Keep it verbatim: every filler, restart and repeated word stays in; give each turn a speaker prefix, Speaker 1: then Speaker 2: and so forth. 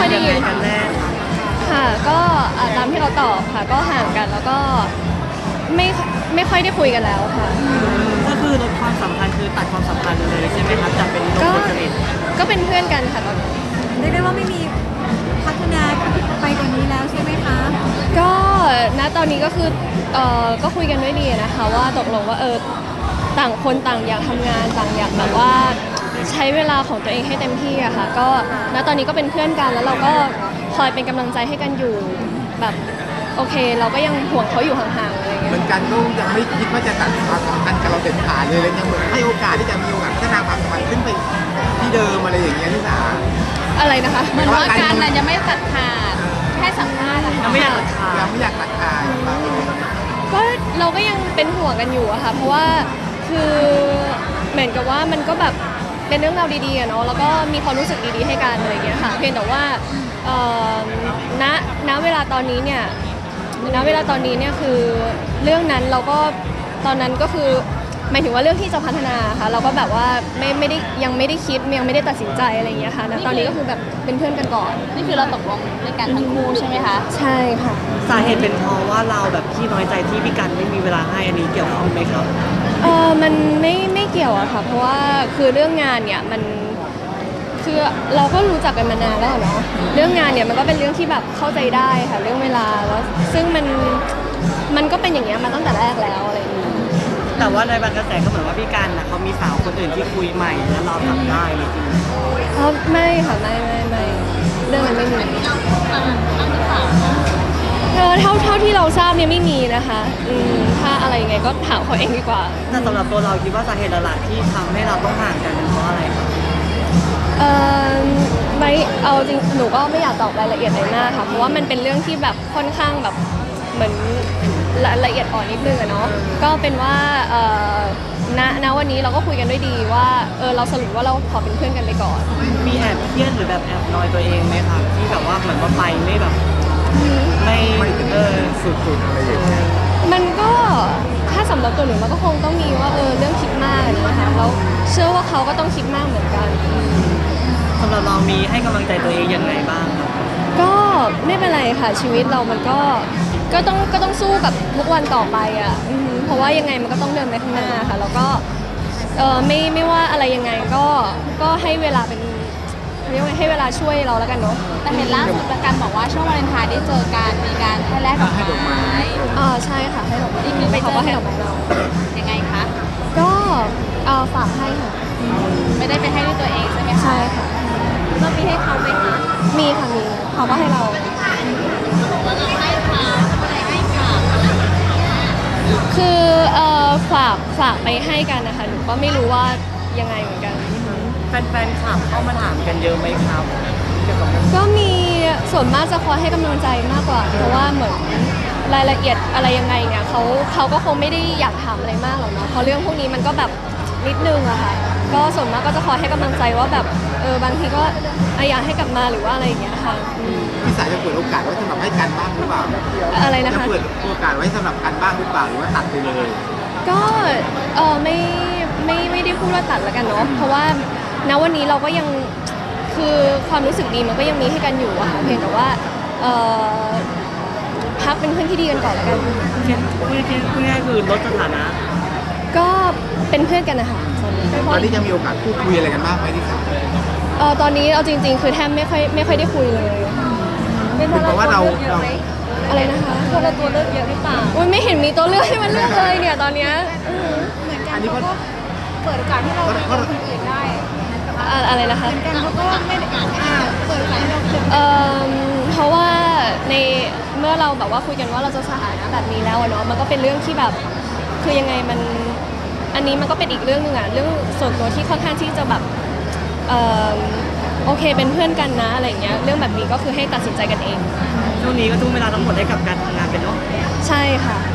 Speaker 1: ค่อยได้ยิน
Speaker 2: กันแน่
Speaker 1: ค่ะก็ตามที่เราตอบค่ะก็ห่างกันแล้วก็ไม่ไม่ค่อยได้คุยกันแล้วค่ะ
Speaker 2: ก็คือลดความสัมพันธ์คือตัดความสัมพันธ์เลยใช่ไหมครับจะเป็นลบคนสนิท
Speaker 1: ก็เป็นเพื่อนกันค่ะตอนนี้
Speaker 3: เรียกได้ว่าไม่มีพัฒนาไปกว่านี้แล้วใช่ไหมคะ
Speaker 1: ก็ณตอนนี้ก็คือเอ่อก็คุยกันด้วยดีนะคะว่าตกลงว่าเออต่างคนต่างอยากทำงานต่างอยากแบบว่าใช้เวลาของตัวเองให้เต็มที่อะค่ะก็ณตอนนี้ก็เป็นเพื่อนกันแล้วเราก็คอยเป็นกำลังใจให้กันอยู่แบบโอเคเราก็ยังห่วงเขาอยู่ห่างๆอะไรเงี้ย
Speaker 4: เหมือนกันก็ยังไม่คิดว่าจะตัดความสัมพันธ์กับเราเด็ดขาดเลยเลยยังเหมือนให้โอกาสที่จะมีโอกาสพัฒนาความสัมพันธ์ขึ้นไปที่เดิมอะไรอย่างเงี้ยที่สา
Speaker 1: อะไรนะคะ
Speaker 3: เหมือนว่าการนั้นยังไม่ตัดขาดแค่สัมภาษณ์
Speaker 2: ยังไม่อยากตัดขาด
Speaker 4: ยังไม่อยากตัดขาด
Speaker 1: ก็เราก็ยังเป็นห่วงกันอยู่อะค่ะเพราะว่าคือเหมือนกับว่ามันก็แบบเป็นเรื่องราวดีๆอะเนาะแล้วก็มีความรู้สึกดีๆให้กันอะไรเงี้ยค่ะเพียงแต่ว่าณณเวลาตอนนี้เนี่ยณเวลาตอนนี้เนี่ยคือเรื่องนั้นเราก็ตอนนั้นก็คือหมายถึงว่าเรื่องที่จะพัฒนาค่ะเราก็แบบว่าไม่ไม่ได้ยังไม่ได้คิดยังไม่ได้ตัดสินใจอะไรอย่างเงี้ยค่ะนะตอนนี้ก็คือแบบเป็นเพื่อนกันก่อน
Speaker 3: นี่คือเราตกลงในการทั้งคู่ใช่ไหมคะ
Speaker 1: ใช่ค่ะ
Speaker 2: สาเหตุเป็นเพราะว่าเราแบบที่น้อยใจที่พี่กันไม่มีเวลาให้อันนี้เกี่ยวข้องไหมครับ
Speaker 1: เออมันไม่ไม่เกี่ยวอะค่ะเพราะว่าคือเรื่องงานเนี่ยมันคือเราก็รู้จักกันมานานแล้วเนาะเรื่องงานเนี่ยมันก็เป็นเรื่องที่แบบเข้าใจได้ค่ะเรื่องเวลาแล้วซึ่งมันมันก็เป็นอย่างเงี้ยมาตั้งแต่แรกแล้วอะไรอย่างเงี้ย
Speaker 2: แต่ว่าในบางกระแสก็เหมือนว่าพี่กันนะเขามีสาวคนอื่นที่คุยใหม่แล้วเราทำได้จริง
Speaker 1: ๆอ๋อไม่ค่ะไม่ไม่ไม่เรื่องนั้นไม่มีเออเท่าเท่าที่เราทราบเนี่ยไม่มีนะคะอืมถ้าอะไรยังไงก็ถามเขาเองดีกว่า
Speaker 2: แต่สำหรับตัวเราคิดว่าสาเหตุหลักๆที่ทำให้เราต้องห่างกันเป็นเพราะอะไรครับ
Speaker 1: เออไม่เอาจริงหนูก็ไม่อยากตอบรายละเอียดเลยมากค่ะเพราะว่ามันเป็นเรื่องที่แบบค่อนข้างแบบเหมือนละเอียดอ่อนนิดนึงอะเนาะก็เป็นว่าเออณณวันนี้เราก็คุยกันด้วยดีว่าเออเราสรุปว่าเราขอเป็นเพื่อนกันไปก่อน
Speaker 2: มีแอบเครียดหรือแบบแอบนอยตัวเองไหมคะที่แบบว่าเหมือนว่าไปไม่แบบไม่เออ
Speaker 4: สุดๆอะไรอย่างเงี้ย
Speaker 1: มันก็ถ้าสำหรับตัวหนูมันก็คงต้องมีว่าเออเรื่องคิดมากนะคะแล้วเชื่อว่าเขาก็ต้องคิดมากเหมือนกัน
Speaker 2: สำหรับเรามีให้กำลังใจตัวเองยังไงบ้างครับ
Speaker 1: ก็ไม่เป็นไรค่ะชีวิตเรามันก็ก็ต้องก็ต้องสู้กับทุกวันต่อไปอ่ะเพราะว่ายังไงมันก็ต้องเดินไปข้างหน้าค่ะแล้วก็เออไม่ไม่ว่าอะไรยังไงก็ก็ให้เวลาเป็นเรียกว่าให้เวลาช่วยเราแล้วกันเนาะ
Speaker 3: แต่เห็นล่าสุดประกันบอกว่าช่วงวาเลนไทน์ได้เจอกันมีการให้แลกดอกไม้
Speaker 1: อ่าใช่ค่ะให้ดอกไม้
Speaker 3: นี่คือไปเจอ
Speaker 1: ให้ดอกไม้เรา
Speaker 3: ยังไงคะ
Speaker 1: ก็เออฝากให้ค่ะ
Speaker 3: ไม่ได้ไปให้ด้วยตัวเองใช่ไหมคะ
Speaker 1: ใช่ค่ะ
Speaker 3: เรามีให้เขาไหมคะ
Speaker 1: มีค่ะมีเขาก็ให้เราคือเอ่อฝากฝากไปให้กันนะคะหนูก็ไม่รู้ว่ายังไงเหมือนกัน
Speaker 2: แฟนๆข่าวเข้ามาถามกันเยอะไหมครับ
Speaker 1: ก็มีส่วนมากจะคอยให้กำลังใจมากกว่าเพราะว่าเหมือนรายละเอียดอะไรยังไงเนี่ยเขาเขาก็คงไม่ได้อยากถามอะไรมากหรอกเนาะเพราะเรื่องพวกนี้มันก็แบบนิดนึงอะค่ะก็ส่วนมากก็จะคอยให้กำลังใจว่าแบบเออบางทีก็อยากให้กลับมาหรือว่าอะไรอย่างเงี้ยค่ะ
Speaker 4: พี่สายจะเปิดโอกาสไว้สำหรับให้กันบ้างหรือเปล่า
Speaker 1: อะไรนะคะ
Speaker 4: จะเปิดโอกาสไว้สำหรับกันบ้างหรือเปล่าหรือว่าตัดไปเลย
Speaker 1: ก็เออไม่ไม่ไม่ได้พูดว่าตัดแล้วกันเนาะเพราะว่าณวันนี้เราก็ยังคือความรู้สึกดีมันก็ยังมีให้กันอยู่อะค่ะเพียงแต่ว่าเออพักเป็นเพื่อนที่ดีกันก่อนแล้วกัน
Speaker 2: พูดง่ายๆคือลดสถานะ
Speaker 1: ก็เป็นเพื่อนกันนะคะ
Speaker 4: ตอนนี้ตอนนี้จะมีโอกาสพูดคุยอะไรกันบ้างไหมที่สาม
Speaker 1: เออตอนนี้เอาจริงๆคือแทบไม่ค่อยไม่ค่อยได้คุยเลย
Speaker 4: เป็นเพราะว่าเรา
Speaker 1: อะไรนะคะ
Speaker 3: เพราะเราตัวเลือกเยอะหรือเปล่า
Speaker 1: อุ้ยไม่เห็นมีตัวเลือกให้มันเลือกเลยเนี่ยตอนเนี้ย
Speaker 3: เหมือนกันเขาก็เปิดโอกาสให้เราเจอคนอื่นได้
Speaker 1: อะไรนะคะ
Speaker 3: เหมือนกันเขาก็ไม่ได้เปิดโอกาสให้เราเจอ
Speaker 1: เออเพราะว่าในเมื่อเราแบบว่าคุยกันว่าเราจะสถานะแบบนี้แล้วเนาะมันก็เป็นเรื่องที่แบบคือยังไงมันอันนี้มันก็เป็นอีกเรื่องนึงอะเรื่องส่วนตัวที่ค่อนข้างที่จะแบบเออโอเคเป็นเพื่อนกันนะอะไรเงี้ยเรื่องแบบนี้ก็คือให้ตัดสินใจกันเอง
Speaker 2: ช่วงนี้ก็ทุ่มเวลาทั้งหมดให้กับการทำงานเป็นเนาะ
Speaker 1: ใช่ค่ะ